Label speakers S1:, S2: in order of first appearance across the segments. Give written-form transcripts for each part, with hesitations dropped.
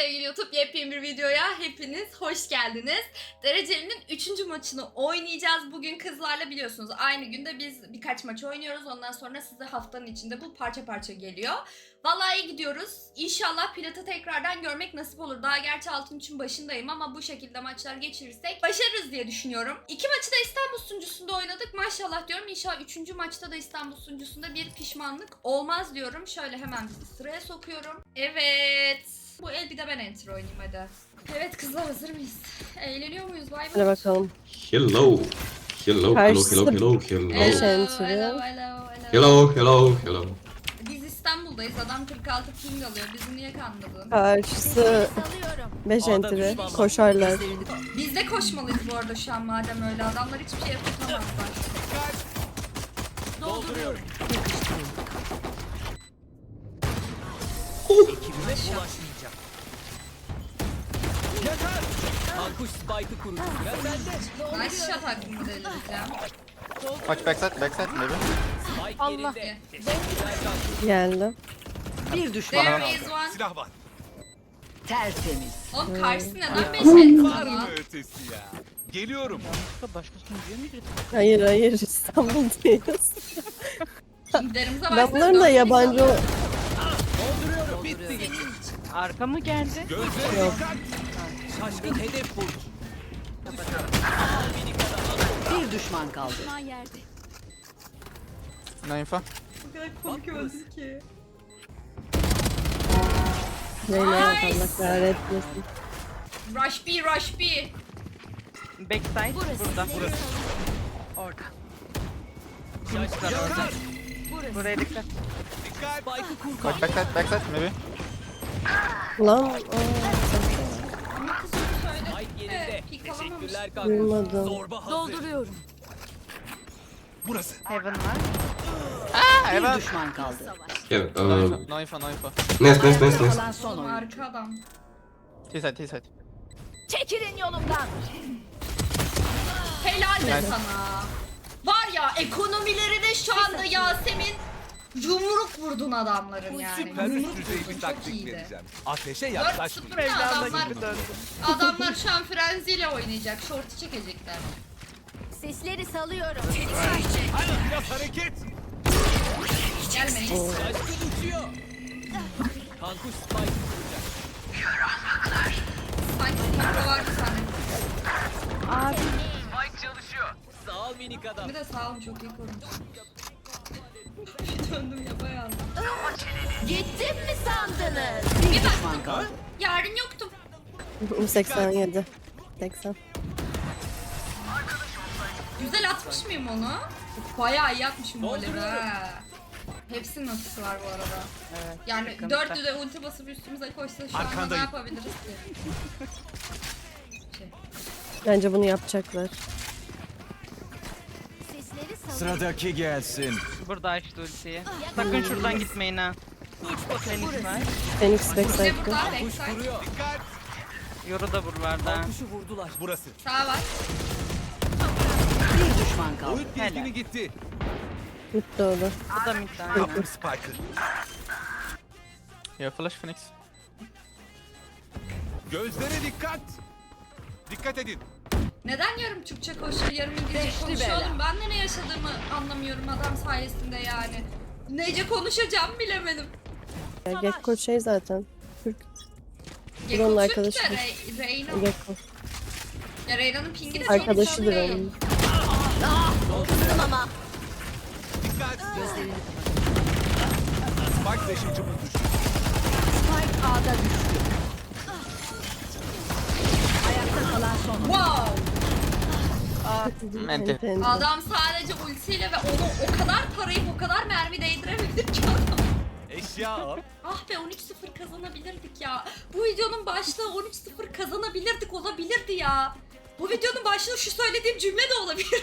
S1: sevgili YouTube, yepyeni bir videoya hepiniz hoş geldiniz. Dereceli'nin 3. maçını oynayacağız. Bugün kızlarla biliyorsunuz aynı günde biz birkaç maç oynuyoruz. Ondan sonra size haftanın içinde bu parça parça geliyor. Vallahi iyi gidiyoruz. İnşallah Plat'ı tekrardan görmek nasip olur. Daha gerçi altın için başındayım ama bu şekilde maçlar geçirirsek başarırız diye düşünüyorum. 2 maçı da İstanbul sunucusunda oynadık. Maşallah diyorum. İnşallah 3. maçta da İstanbul sunucusunda bir pişmanlık olmaz diyorum. Şöyle hemen sıraya sokuyorum. Evet. Bu el bir de ben enter oynayayım hadi. Evet kızlar, hazır mıyız? Eğleniyor muyuz? Bay
S2: Hadi
S1: bay.
S2: bakalım.
S3: Hello. Hello, hello,
S2: Karşısı-
S3: hello, hello, hello.
S2: Beş
S1: Hello,
S2: enter.
S1: hello, hello, hello.
S3: Hello, hello, hello.
S1: Biz İstanbul'dayız. Adam 46 ping alıyor. Bizi niye kandırdın?
S2: Karşısı 5 entry. Koşarlar.
S1: Biz de koşmalıyız bu arada şu an madem öyle. Adamlar hiçbir şey yapamazlar.
S4: Dolduruyorum. Ekibime bulaşmayacak. Yeter! Kankuş Spike'ı kurdu. Ya sende.
S1: Nice shot hakkında delireceğim.
S5: Watch backside maybe.
S4: Spike yerinde. Teşekkürler Kankuş.
S2: Geldi.
S6: Bir düşman
S1: There is one.
S7: Silah var.
S6: tertemiz.
S1: Oğlum karşısı neden 5 enter
S7: Var mı
S1: lan?
S7: ötesi ya? Geliyorum.
S2: Hayır İstanbul'dayız.
S1: Pinglerimize
S2: Ben
S1: baksana.
S2: bunların da
S1: 4
S2: yabancı
S1: ping alıyor.
S7: Dolduruyorum. Bitti gitti.
S8: Arka mı geldi?
S7: Gözlere
S2: Yok.
S7: dikkat.
S4: Şaşkın hedef vurdu.
S6: Bir düşman kaldı.
S5: No info.
S1: Bu kadar komik öldü ki.
S2: Zeynep
S1: Nice.
S2: Allah kahretmesin.
S1: Rush B, Rush B.
S8: Backside burada.
S6: Orada.
S7: Yakar.
S8: Buraya dikkat.
S7: Dikkat.
S4: Spike'ı kur
S5: Watch
S4: kankuş.
S5: backside maybe.
S2: Lan
S1: Ama kız onu söyledi.
S4: Spike yerinde.
S1: Pik alamamış.
S4: Teşekkürler Kankuş.
S2: duymadım.
S4: Zorba hazır.
S6: Dolduruyorum.
S7: Burası.
S8: Heaven var.
S6: Bir düşman kaldı.
S3: Yeah,
S5: No info, no info, no info.
S3: nice.
S6: Kalan son
S1: Oğlum
S6: oyun.
S1: harika adam.
S5: T-side.
S6: Çekilin yolumdan.
S1: Helal be
S5: Nice.
S1: sana. Var ya, ekonomilerine şu anda Yasemin yumruk vurdun adamların yani.
S7: Süper
S1: Yumruk
S7: üst düzey
S1: vurdun,
S7: bir
S1: çok
S7: taktik
S1: iyiydi.
S7: vereceğim. Ateşe
S1: 4-0
S7: yaklaşmayın.
S1: adamlar, adamlar şu an frenziyle oynayacak. Short'u çekecekler.
S9: Sesleri salıyorum.
S7: Hadi biraz hareket.
S1: Gelmeyin.
S4: Şaşkın uçuyor. Kankuş Spike'ı kuracak.
S1: Sanki mikro vardı sanırım.
S4: Sağ ol minik adam.
S1: Bir de sağ olun, çok iyi korumuş. Bir döndüm yapayalnız.
S9: Gittim mi sandınız?
S6: Bir düşman kaldı.
S1: Yarın yoktum.
S2: 87. 80.
S1: Güzel atmış mıyım onu? Bayağı iyi atmışım bu golleri ha. Hepsinin ultisi var bu arada.
S8: Evet.
S1: Yani
S8: sıkıntı.
S1: 4'lü de ulti basıp üstümüze koşsa şu anda ne
S7: Arkandayım.
S1: yapabiliriz ki?
S2: Bence bunu yapacaklar.
S9: Sesleri salıyorum.
S7: Sıradaki gelsin.
S8: Burada açtı ultiyi. Sakın şuradan gitmeyin ha. Phoenix var.
S2: Phoenix
S1: Bir de
S2: backside.
S1: burada
S4: Kankuş
S1: backside.
S4: vuruyor.
S7: Dikkat.
S8: Yoru da buralarda.
S4: Kankuşu vurdular.
S7: Burası.
S1: Sağ var.
S6: Bir düşman kaldı.
S7: Oyun dizgini gitti.
S2: Mutlu oldu.
S8: Bu da mid aynen.
S7: Kapım Spike'ı.
S5: Yeah, flash Phoenix.
S7: Gözlere dikkat. Dikkat edin.
S1: Neden yarım Türkçe konuşuyor, yarım İngilizce
S6: Beşli
S1: konuşuyor
S6: bela.
S1: oğlum? Ben de ne yaşadığımı anlamıyorum adam sayesinde yani. Nece konuşacağım bilemedim.
S2: Gekko şey zaten. Türk.
S1: Gekko
S2: onun
S1: Türk de
S2: arkadaşıdır.
S1: Reyna.
S2: Gekko.
S1: Ya Reyna'nın pingini çok
S2: Arkadaşıdır
S1: değil.
S2: onun.
S7: Dikkat. Spike taşıyıcımız düştü.
S6: Spike A'da düştü. Ayakta kalan son oyun.
S1: Wow!
S5: Mente.
S2: Ente.
S1: Adam sadece ultiyle ve onu o kadar tarayıp o kadar mermi değdirebildi ki adam.
S7: Eşya al.
S1: Ah be, 13-0 kazanabilirdik ya. Bu videonun başlığı 13-0 kazanabilirdik olabilirdi ya. Bu videonun başlığı şu söylediğim cümle de olabilir.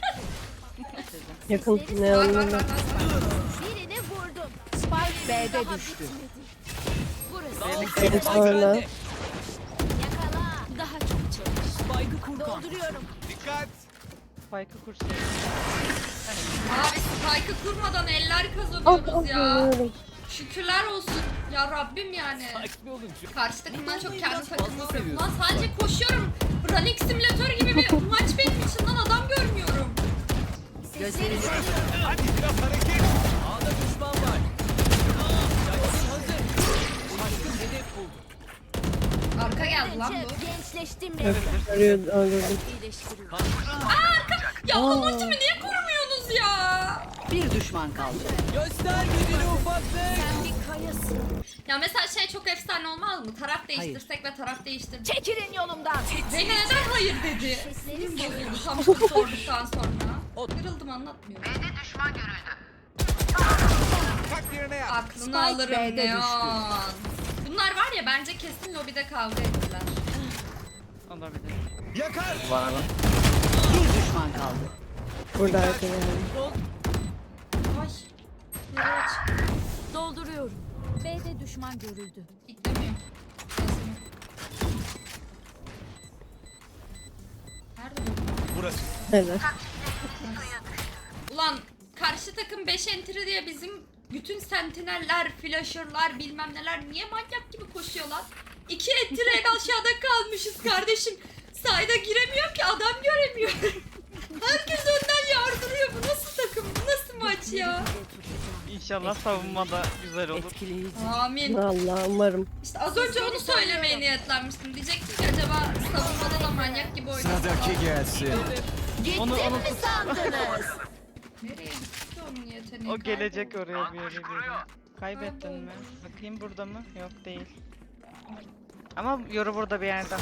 S2: Yakın ne
S1: Var var
S2: anlamı.
S1: var.
S9: Birini vurdum.
S6: Spike B'de düştü.
S9: Burası.
S2: Evet sonra.
S9: Yakala. Daha çok çalış.
S4: Spike'ı kur kankuş.
S9: Dolduruyorum.
S7: Dikkat.
S8: Spike'ı kursun.
S1: Abi spike'ı kurmadan eller
S2: Ah
S1: kazanıyoruz
S2: ah
S1: ya.
S2: yanıyorum.
S1: Şükürler olsun. Ya Rabbim yani.
S4: Sakin olun.
S1: Karşı takımdan çok kendi
S4: Biraz
S1: takımı
S4: fazla
S1: vuruyorum. Lan
S4: seviyorsun.
S1: sadece koşuyorum. Running simülatör gibi bir maç benim için lan, adam görmüyorum.
S6: Gözlerini
S7: Hadi biraz hareket.
S4: A'da düşman var. Şaşkın hazır. Şaşkın hedef buldu.
S1: Arka geldi lan bu.
S9: Gençleştim
S2: Evet,
S9: resmen.
S2: öldürdüm.
S9: İyileştiriyorum.
S1: Ya
S2: Aa.
S1: onun ultimi niye korumuyorsunuz ya?
S6: bir düşman kaldı.
S4: Göster gücünü ufaklık.
S9: Sen bir kayasın.
S1: Ya mesela şey çok efsane olmaz mı? Taraf değiştirsek ve taraf değiştirdik.
S9: Çekilin yolumdan.
S1: Reyna neden hayır dedi?
S9: Sesleri
S1: Bozuldu tam bunu sorduktan sonra. Kırıldım, anlatmıyorum.
S7: Tak yerine yap.
S1: Aklını
S6: Spike
S1: alırım
S6: B'de
S1: Neon. Bunlar var ya, bence kesin lobide kavga ettiler.
S8: Olabilir.
S7: Yakar.
S6: Bir düşman kaldı.
S2: Burada arka geldi.
S1: Ay. Nereye aç?
S9: Dolduruyorum. B'de düşman görüldü.
S1: İklemiyor. Nerede bu?
S7: Burası.
S2: Evet.
S1: Ulan karşı takım 5 entry diye bizim bütün sentineller, flasher'lar bilmem neler niye manyak gibi koşuyorlar? 2 entry en aşağıda kalmışız kardeşim. Sayda giremiyor ki, adam göremiyor. Herkes önden yardırıyor. Bu nasıl takım? Bu nasıl maç ya?
S8: İnşallah savunmada güzel olur.
S6: Etkileyici.
S1: Amin.
S2: Allah umarım.
S1: İşte az önce onu söylemeye niyetlenmiştim. Diyecektim ki acaba savunmada da manyak gibi oynasın.
S7: gelsin.
S9: Gittim mi sandınız?
S1: Nereye gitti ki onun yeteneği?
S8: O gelecek oraya bir yere geliyor. Kaybettin mi? Bakayım burada mı? Yok değil. Ama yoru burada bir yerde.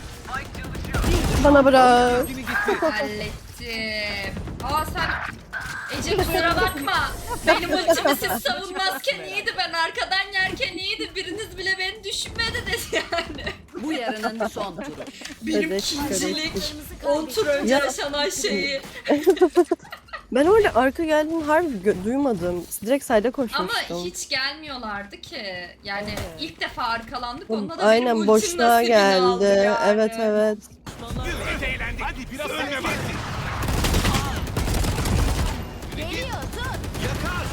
S2: Bana bırak.
S7: Gücünü gitti.
S1: Hallettim. Aa sen Ece kusura bakma. Benim ultimi siz savunmazken iyiydi, ben arkadan yerken iyiydi. Biriniz bile beni düşünmedi dedi yani.
S6: Bu yarının son turu.
S1: Benim
S2: Evet,
S1: ikincilik
S9: Kırmızı
S1: 10 tur önce
S2: Ya.
S1: yaşanan şeyi.
S2: Ben orada arka geldiğini harbi duymadım. Direkt sayda
S1: Ama
S2: koşmuştum.
S1: hiç gelmiyorlardı ki. Yani ilk defa arkalandık. Onda da benim
S2: Aynen
S1: ultim
S2: boşluğa
S1: nasibini aldı
S2: geldi.
S1: yani.
S2: Evet evet.
S7: Biz eğlendik. Hadi biraz hareket.
S9: Geliyor tut.
S7: Yakar.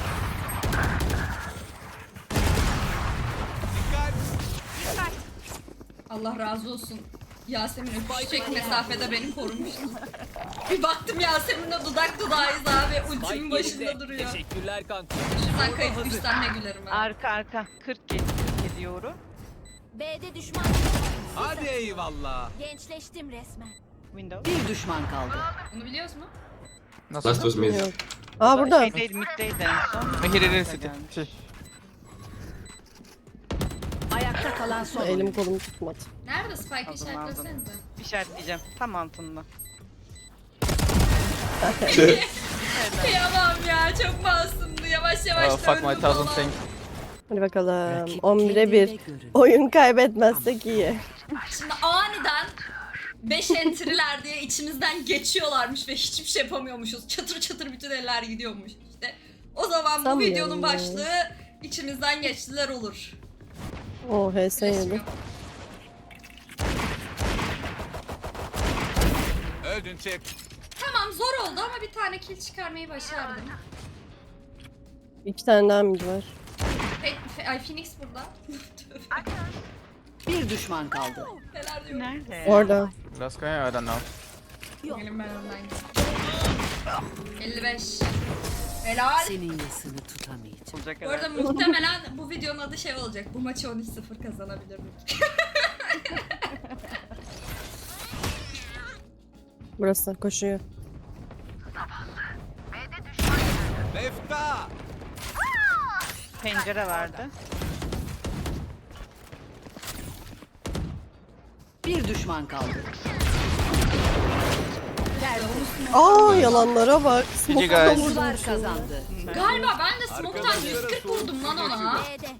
S7: Dikkat.
S1: Allah razı olsun. Yasemin öpüşecek mesafede beni korumuştu. Bir baktım Yasemin'le dudak dudağıyız abi. Ultimin
S4: Mike
S1: başında
S4: yerinde.
S1: duruyor.
S4: Teşekkürler kanka.
S1: Şuradan kayıp düşsen ne gülerim ha.
S8: Arka 47 yoru.
S9: B'de düşman.
S7: Hadi eyvallah.
S9: Gençleştim resmen.
S8: Window.
S6: Bir düşman kaldı.
S1: Bunu biliyoruz mu?
S3: Last was mid.
S2: Yok. Aa burada.
S8: Şeydeydi, middeydi en son.
S5: Here,
S8: Burada
S5: city.
S8: gelmiş.
S5: Şey.
S6: Ayakta kalan son
S2: Elim
S6: oyuncu.
S2: kolum tutmadı.
S1: Nerede Spike
S8: Aldım,
S1: işaretlesenize.
S8: İşaretleyeceğim. Tam altında.
S1: Kıyamam ya, çok masumdu. Yavaş yavaş
S5: Oh, fuck my
S1: döndü
S5: thousand
S1: falan.
S5: thing.
S2: Hadi bakalım.
S6: Rakip
S2: 11'e 1.
S6: kendine görün.
S2: Oyun kaybetmezsek iyi.
S1: Şimdi aniden 5 entry'ler diye içimizden geçiyorlarmış ve hiçbir şey yapamıyormuşuz. Çatır çatır bütün eller gidiyormuş işte. O zaman bu
S2: Sanmıyorum
S1: videonun
S2: ya.
S1: başlığı içimizden geçtiler olur.
S2: O HS yedi.
S7: Öldün çek.
S1: Tamam, zor oldu ama bir tane kill çıkarmayı başardım.
S2: 2 tane daha mid var.
S1: Ay Phoenix burada.
S6: Bir düşman kaldı.
S1: Neler diyorum.
S8: Nerede?
S2: Orada.
S5: Last guy, I don't know.
S1: Gelin ben önden gideyim. 55. Helal.
S6: Senin yasını tutamayacağım.
S8: Olacak
S1: Bu arada
S8: herhalde.
S1: muhtemelen bu videonun adı şey olacak. Bu maçı 13-0 kazanabilir mi?
S2: Burası koşuyor.
S7: Lefta.
S8: Pencere vardı.
S6: Bir düşman kaldı.
S2: Aa yalanlara bak.
S5: GG guys.
S6: Domuzlar kazandı.
S1: Galiba ben de smoke'tan
S7: Arkadaşlara
S1: 140 vurdum lan ona.
S9: B'de.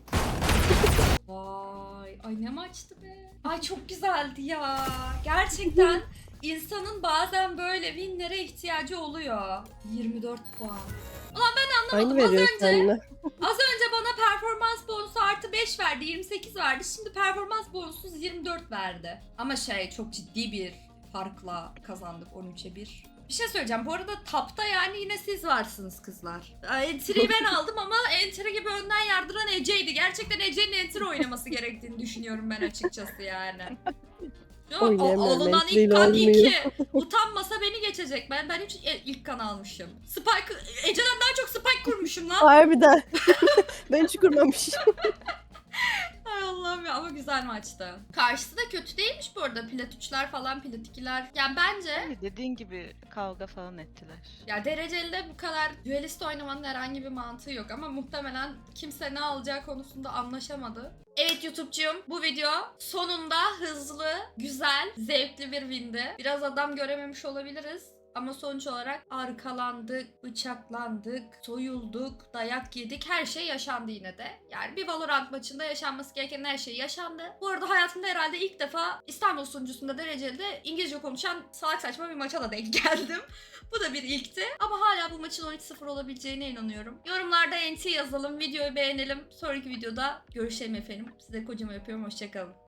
S1: Vay, ay ne maçtı be. Ay çok güzeldi ya. Gerçekten insanın bazen böyle winlere ihtiyacı oluyor. 24 puan. Ulan ben
S2: Aynı
S1: anlamadım.
S2: veriyor seninle.
S1: Az önce bana performans bonusu artı 5 verdi, 28 verdi. Şimdi performans bonusuz 24 verdi. Ama şey, çok ciddi bir farkla kazandık, 13'e 1. Bir şey söyleyeceğim. Bu arada tapta yani yine siz varsınız kızlar. Entry'yi ben aldım ama entry gibi önden yardıran Ece'ydi. Gerçekten Ece'nin entry oynaması gerektiğini düşünüyorum ben açıkçası yani. Yo,
S2: Oynayamıyorum,
S1: alınan
S2: entry'yle
S1: ilk kan
S2: olmuyor.
S1: 2. Utanmasa beni geçecek. Ben hiç ilk kan almışım. Spike, Ece'den daha çok Spike kurmuşum lan.
S2: Harbiden. Ben hiç kurmamışım.
S1: Ay Allah'ım ya, ama güzel maçtı. Karşısı da kötü değilmiş bu arada. Plat 3'ler falan, plat 2'ler. Yani bence
S8: Yani dediğin gibi kavga falan ettiler.
S1: ya dereceli de bu kadar duelist oynamanın herhangi bir mantığı yok ama muhtemelen kimse ne alacağı konusunda anlaşamadı. Evet YouTube'cuyum, bu video sonunda hızlı, güzel, zevkli bir windi. Biraz adam görememiş olabiliriz. Ama sonuç olarak arkalandık, bıçaklandık, soyulduk, dayak yedik, her şey yaşandı yine de. Yani bir Valorant maçında yaşanması gereken her şey yaşandı. Bu arada hayatımda herhalde ilk defa İstanbul sunucusunda dereceli de İngilizce konuşan salak saçma bir maça da denk geldim. Bu da bir ilkti. Ama hala bu maçın 13-0 olabileceğine inanıyorum. Yorumlarda NT yazalım, videoyu beğenelim. Sonraki videoda görüşelim efendim. Size kocaman öpüyorum, hoşçakalın.